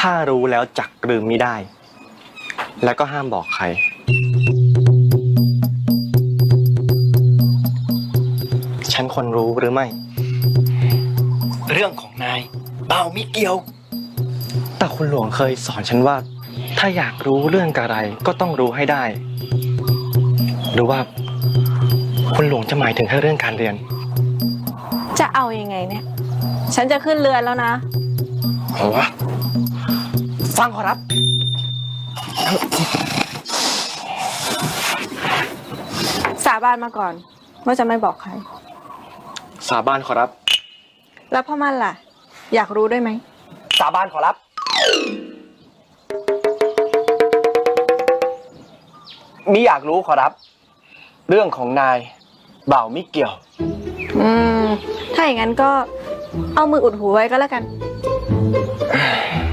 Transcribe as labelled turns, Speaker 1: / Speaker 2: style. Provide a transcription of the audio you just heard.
Speaker 1: ถ้ารู้แล้วจักลืมไม่ได้ แล้วก็ห้ามบอกใครฉันควรรู้หรือไม่
Speaker 2: เรื่องของนายเบาไม่เกี่ยว
Speaker 1: แต่คุณหลวงเคยสอนฉันว่า ถ้าอยากรู้เรื่องอะไรก็ต้องรู้ให้ได้ หรือว่าคุณหลวงจะหมายถึงแค่เรื่องการเรียน
Speaker 3: จะเอายังไงเนี่ยฉันจะขึ้นเรือนแล้วนะ
Speaker 1: ฟังขอรับ
Speaker 3: สาบานมาก่อนว่าจะไม่บอกใคร
Speaker 1: สาบานขอรับ
Speaker 3: แล้วพ่อมั่นล่ะอยากรู้ด้วยไหม
Speaker 1: สาบานขอรับมิอยากรู้ขอรับเรื่องของนายเบ่าวมิเกี่ยว
Speaker 3: ถ้าอย่างนั้นก็เอามืออุดหูไว้ก็แล้วกัน